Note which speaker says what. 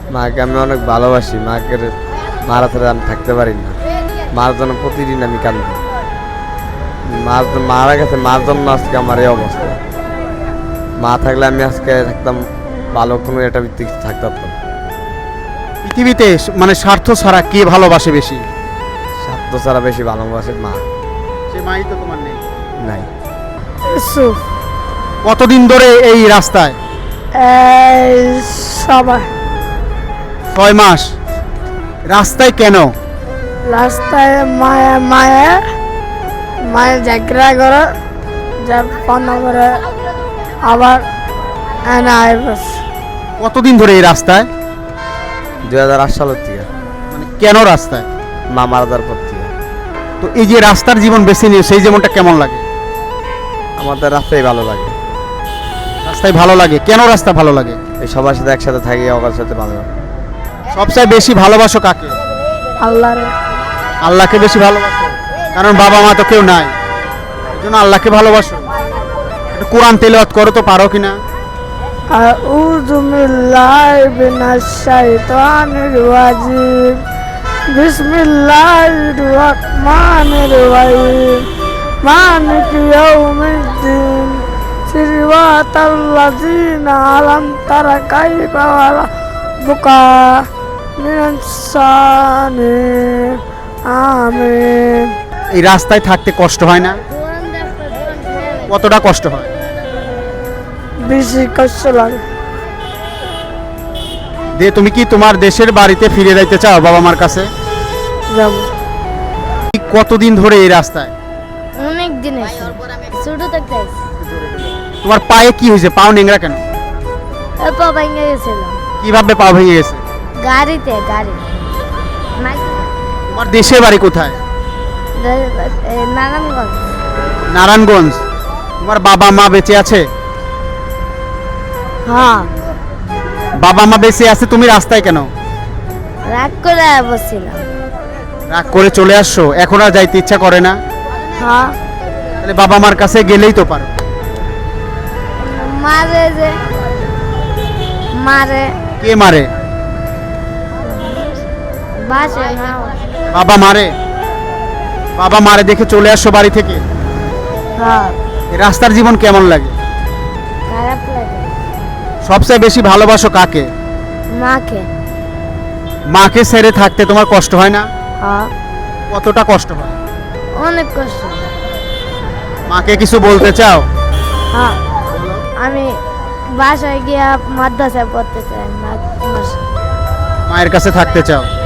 Speaker 1: মাকে আমি অনেক ভালোবাসি। মারা ছাড়া আমি থাকতে পারি না। মার জন্য প্রতিদিন আমি কান্দি। মারা গেছে, মার জন্য আজকে আমার এই অবস্থা। মা থাকলে আমি আজকে থাকতাম ভালো, কোনো একটা ভিত্তিক থাকতে পারতাম।
Speaker 2: পৃথিবীতে মানে স্বার্থ ছাড়া কে ভালোবাসে বেশি?
Speaker 1: স্বার্থ ছাড়া বেশি ভালোবাসে মা।
Speaker 2: সে মাই তো তোমার নেই।
Speaker 1: নাই।
Speaker 2: কতদিন ধরে এই রাস্তায়?
Speaker 3: সবাই
Speaker 2: 6 মাস। রাস্তায় কেন?
Speaker 3: রাস্তায় মায়ের ঝগড়া করে, যা ফোন করে আবার এনে আইবস।
Speaker 2: কতদিন ধরে এই রাস্তায়?
Speaker 1: 2008 সালের থেকে।
Speaker 2: মানে কেন রাস্তায়?
Speaker 1: মা মারা যাওয়ার পর থেকে।
Speaker 2: তো এই যে রাস্তার জীবন বেছে নিয়ে সেই জীবনটা কেমন লাগে?
Speaker 1: আমাদের রাস্তাই ভালো লাগে।
Speaker 2: রাস্তায় ভালো লাগে কেন? রাস্তা ভালো লাগে?
Speaker 1: এই সবার সাথে একসাথে থাকি, ওর সাথে ভালো লাগে।
Speaker 2: সবচেয়ে বেশি ভালোবাসো কাকে?
Speaker 3: আল্লাহর
Speaker 2: আল্লাহকে বেশি ভালোবাসো, কারণ বাবা মা তো কেউ নাই, এই জন্য আল্লাহকে ভালোবাসো। একটু কোরআন তেলাওয়াত করো তো, পারো কিনা?
Speaker 3: আউযু বিল্লাহি মিনাশ শাইতানির রাজিম। বিসমিল্লাহির রহমানির রহিম। মালিকি ইয়াউমিদ্দিন। সিরাতাল্লাযিনা আন'আমতা কাইফা রাব্বুকা মিনাস-সালিহিন। আমিন।
Speaker 2: এই রাস্তায় থাকতে কষ্ট হয় না? কতটা কষ্ট হয়?
Speaker 3: বেশি কষ্ট লাগে।
Speaker 2: তুমি কি তোমার দেশের বাড়িতে ফিরে যাইতে চাও বাবা মার কাছে?
Speaker 3: যাব।
Speaker 2: কতদিন ধরে এই রাস্তায়?
Speaker 4: অনেক দিন আছে, ছোট থাকতে আছে।
Speaker 2: তোমার পায়ে কি হয়েছে? পাও নেংরা কেন?
Speaker 4: পা ভেঙে গেছিল
Speaker 2: কিভাবে পা ভেঙে গেছে?
Speaker 4: গাড়ি
Speaker 2: তোমার দেশের বাড়ি কোথায়?
Speaker 4: নারায়ণগঞ্জ।
Speaker 2: নারায়ণগঞ্জ। তোমার বাবা মা বেঁচে আছে?
Speaker 4: হ্যাঁ।
Speaker 2: বাবা মা বেঁচে আছে, তুমি রাস্তায় কেন?
Speaker 4: রাগ করে বসছিলাম।
Speaker 2: রাগ করে চলে আসছো, এখন আর যাইতে ইচ্ছা করে না?
Speaker 4: হ্যাঁ।
Speaker 2: তাহলে বাবা মার কাছে গেলেই তো পারো।
Speaker 4: মারে
Speaker 2: কে মারে?
Speaker 4: বাসে না।
Speaker 2: বাবা মারে? বাবা মারে দেখে চলে আসছো বাড়ি থেকে?
Speaker 4: হ্যাঁ।
Speaker 2: এই রাস্তার জীবন কেমন লাগে?
Speaker 4: খারাপ লাগে।
Speaker 2: সবচেয়ে বেশি ভালোবাসো কাকে?
Speaker 4: মাকে।
Speaker 2: মাকে ছেড়ে থাকতে তোমার কষ্ট হয় না?
Speaker 4: হ্যাঁ।
Speaker 2: কতটা কষ্ট হয়?
Speaker 4: অনেক কষ্ট।
Speaker 2: মাকে কিছু বলতে চাও?
Speaker 4: হ্যাঁ, আমি বাসায় গিয়া মাদ্রাসায় পড়তে চাই।
Speaker 2: মায়ের কাছে থাকতে চাও?